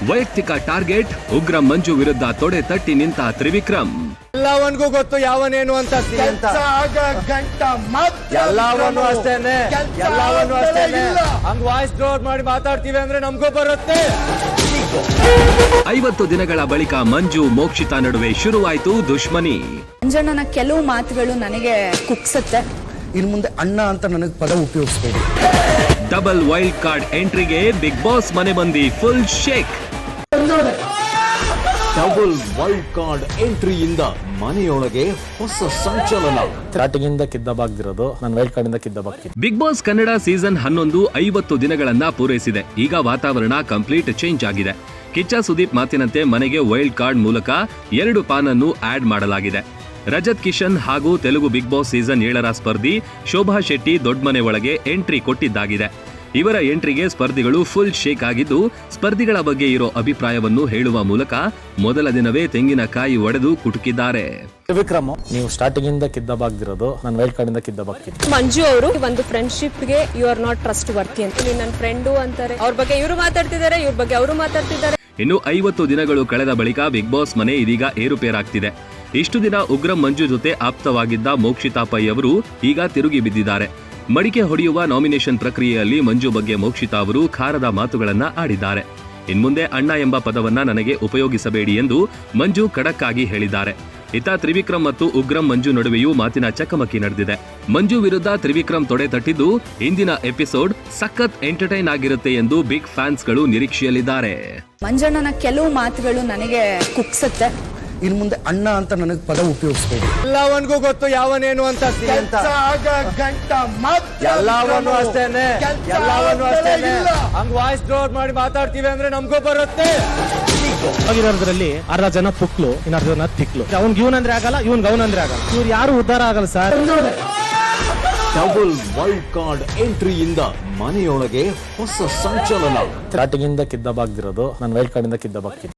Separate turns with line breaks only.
ವೈಯಕ್ತಿಕ ಟಾರ್ಗೆಟ್ ಉಗ್ರ ಮಂಜು ವಿರುದ್ಧ ತೊಡೆ ತಟ್ಟಿ ನಿಂತ ತ್ರಿವಿಕ್ರಮ್.
ಎಲ್ಲವನ್ಗೂ ಗೊತ್ತು ಯಾವನೇನು ಅಂತ ಎಲ್ಲವನ್ನೂ ಅಷ್ಟೇನೆ ಹಂಗ್ ವಾಯ್ಸ್ ಡೌನ್ ಮಾಡಿ ಮಾತಾಡ್ತೀವಿ ಅಂದ್ರೆ ನಮ್ಗೂ ಬರುತ್ತೆ.
50 ದಿನಗಳ ಬಳಿಕ ಮಂಜು ಮೋಕ್ಷಿತಾ ನಡುವೆ ಶುರುವಾಯಿತು ದುಶ್ಮನಿ.
ಮಂಜಣ್ಣನ ಕೆಲವು ಮಾತುಗಳು ನನಗೆ ಕುಗ್ಸುತ್ತೆ.
ಇನ್ನು ಮುಂದೆ ಅಣ್ಣ ಅಂತ ನನಗೆ ಪದ ಉಪಯೋಗಿಸಬೇಡಿ.
ಡಬಲ್ ವೈಲ್ಡ್ ಕಾರ್ಡ್ ಎಂಟ್ರಿಗೆ ಬಿಗ್ ಬಾಸ್ ಮನೆ ಮಂದಿ full shake.
Double wild card ಎಂಟ್ರಿಯಿಂದ ಮನೆಯೊಳಗೆ ಹೊಸ ಸಂಚಲನ.
ಸ್ಟಾರ್ಟಿಂಗ್ ಇಂದ ಕಿದ್ದಬಾಗ್ದಿರೋದು ನಾನು ವೈಲ್ಡ್ ಕಾರ್ಡ್ ಇಂದ ಕಿದ್ದಬಾಗ್ತೀನಿ.
ಬಿಗ್ ಬಾಸ್ ಕನ್ನಡ ಸೀಸನ್ 11 50 ದಿನಗಳನ್ನ ಪೂರೈಸಿದೆ. ಈಗ ವಾತಾವರಣ ಕಂಪ್ಲೀಟ್ ಚೇಂಜ್ ಆಗಿದೆ. ಕಿಚ್ಚ ಸುದೀಪ್ ಮಾತಿನಂತೆ ಮನೆಗೆ ವೈಲ್ಡ್ ಕಾರ್ಡ್ ಮೂಲಕ 2 ಪಾನ್ ಅನ್ನು ಆಡ್ ಮಾಡಲಾಗಿದೆ. ರಜತ್ ಕಿಶನ್ ಹಾಗೂ ತೆಲುಗು ಬಿಗ್ ಬಾಸ್ ಸೀಸನ್ 7ರ ಸ್ಪರ್ಧಿ ಶೋಭಾ ಶೆಟ್ಟಿ ದೊಡ್ಡಮನೆ ಒಳಗೆ ಎಂಟ್ರಿ ಕೊಟ್ಟಿದ್ದಾಗಿದೆ. ಇವರ ಎಂಟ್ರಿಗೆ ಸ್ಪರ್ಧಿಗಳು ಫುಲ್ ಶೇಕ್ ಆಗಿದ್ದು, ಸ್ಪರ್ಧಿಗಳ ಬಗ್ಗೆ ಇರೋ ಅಭಿಪ್ರಾಯವನ್ನು ಹೇಳುವ ಮೂಲಕ ಮೊದಲ ದಿನವೇ ತೆಂಗಿನಕಾಯಿ ಒಡೆದು ಕುಟುಕಿದ್ದಾರೆ.
ತ್ರಿವಿಕ್ರಮ್, ನೀವು ಸ್ಟಾರ್ಟಿಂಗ್ ಇಂದ ಕಿದ್ದಬಾಗ್ದಿರೋದು ನಾನು ವೈಲ್ಡ್ ಕಾರ್ಡ್ ಇಂದ ಕಿದ್ದಬಾಗ್ತೀನಿ.
ಮಂಜು ಅವರು ಒಂದು ಫ್ರೆಂಡ್ಶಿಪ್ ಗೆ you are not trustworthy ಅಂತ ನೀನು ನನ್ನ ಫ್ರೆಂಡು ಅಂತಾರೆ. ಅವ್ರ ಬಗ್ಗೆ ಇವರು ಮಾತಾಡ್ತಿದ್ದಾರೆ, ಇವ್ರ ಬಗ್ಗೆ ಅವರು ಮಾತಾಡ್ತಿದ್ದಾರೆ.
ಇನ್ನು 50 ದಿನಗಳು ಕಳೆದ ಬಳಿಕ ಬಿಗ್ ಬಾಸ್ ಮನೆ ಇದೀಗ ಏರುಪೇರಾಗ್ತಿದೆ. ಇಷ್ಟು ದಿನ ಉಗ್ರಂ ಮಂಜು ಜೊತೆ ಆಪ್ತವಾಗಿದ್ದ ಮೋಕ್ಷಿತಾ ಪೈ ಅವರು ಈಗ ತಿರುಗಿ ಬಿದ್ದಿದ್ದಾರೆ. ಮಡಿಕೆ ಹೊಡೆಯುವ ನಾಮಿನೇಷನ್ ಪ್ರಕ್ರಿಯೆಯಲ್ಲಿ ಮಂಜು ಬಗ್ಗೆ ಮೋಕ್ಷಿತಾ ಅವರು ಖಾರದ ಮಾತುಗಳನ್ನ ಆಡಿದ್ದಾರೆ. ಇನ್ಮುಂದೆ ಅಣ್ಣ ಎಂಬ ಪದವನ್ನ ನನಗೆ ಉಪಯೋಗಿಸಬೇಡಿ ಎಂದು ಮಂಜು ಖಡಕ್ ಆಗಿ ಹೇಳಿದ್ದಾರೆ. ಇತ್ತ ತ್ರಿವಿಕ್ರಮ್ ಮತ್ತು ಉಗ್ರಂ ಮಂಜು ನಡುವೆಯೂ ಮಾತಿನ ಚಕಮಕಿ ನಡೆದಿದೆ. ಮಂಜು ವಿರುದ್ಧ ತ್ರಿವಿಕ್ರಮ್ ತೊಡೆ ತಟ್ಟಿದ್ದು, ಇಂದಿನ ಎಪಿಸೋಡ್ ಸಖತ್ ಎಂಟರ್ಟೈನ್ ಆಗಿರುತ್ತೆ ಎಂದು ಬಿಗ್ ಫ್ಯಾನ್ಸ್ಗಳು ನಿರೀಕ್ಷೆಯಲ್ಲಿದ್ದಾರೆ.
ಮಂಜಣ್ಣನ ಕೆಲವು ಮಾತುಗಳು ನನಗೆ ಕುಗ್ಸುತ್ತೆ.
ಇನ್ನು ಮುಂದೆ ಅಣ್ಣ ಅಂತ ನನಗೆ ಪದ ಉಪಯೋಗಿಸಬೇಡಿ.
ಎಲ್ಲವನ್ಗೂ ಗೊತ್ತು ಯಾವನೇನು ಅಂತ ಎಲ್ಲವನ್ನೂ ಅಷ್ಟೇನೆ ಹಂಗ್ ವಾಯ್ಸ್ ಡೌನ್ ಮಾಡಿ ಮಾತಾಡ್ತೀವಿ ಅಂದ್ರೆ ನಮ್ಗೂ ಬರುತ್ತೆ.
ಆಗಿರೋದ್ರಲ್ಲಿ ಅರ್ಧ ಜನ ಪುಕ್ಲು, ಇನ್ನು ಅರ್ಧ ಜನ ತಿಕ್ಲು. ಅವ್ನ್ಗೆ ಇವನಂದ್ರೆ ಆಗಲ್ಲ, ಇವನ್ಗೆ ಅವನಂದ್ರೆ ಆಗಲ್ಲ. ಇವ್ರು ಯಾರು ಉದ್ಧಾರ ಆಗಲ್ಲ ಸರ್.
ಡಬಲ್ ವೈಲ್ಡ್ ಕಾರ್ಡ್ ಎಂಟ್ರಿಯಿಂದ ಮನೆಯೊಳಗೆ ಹೊಸ ಸಂಚಲನ.
ಸ್ಟಾರ್ಟಿಂಗ್ ಇಂದ ಕಿದ್ದಬಾಗ್ದಿರೋದು ನಾನು ವೈಲ್ಡ್ ಕಾರ್ಡ್ ಇಂದ ಕಿದ್ದಬಾಗ್ತೀನಿ.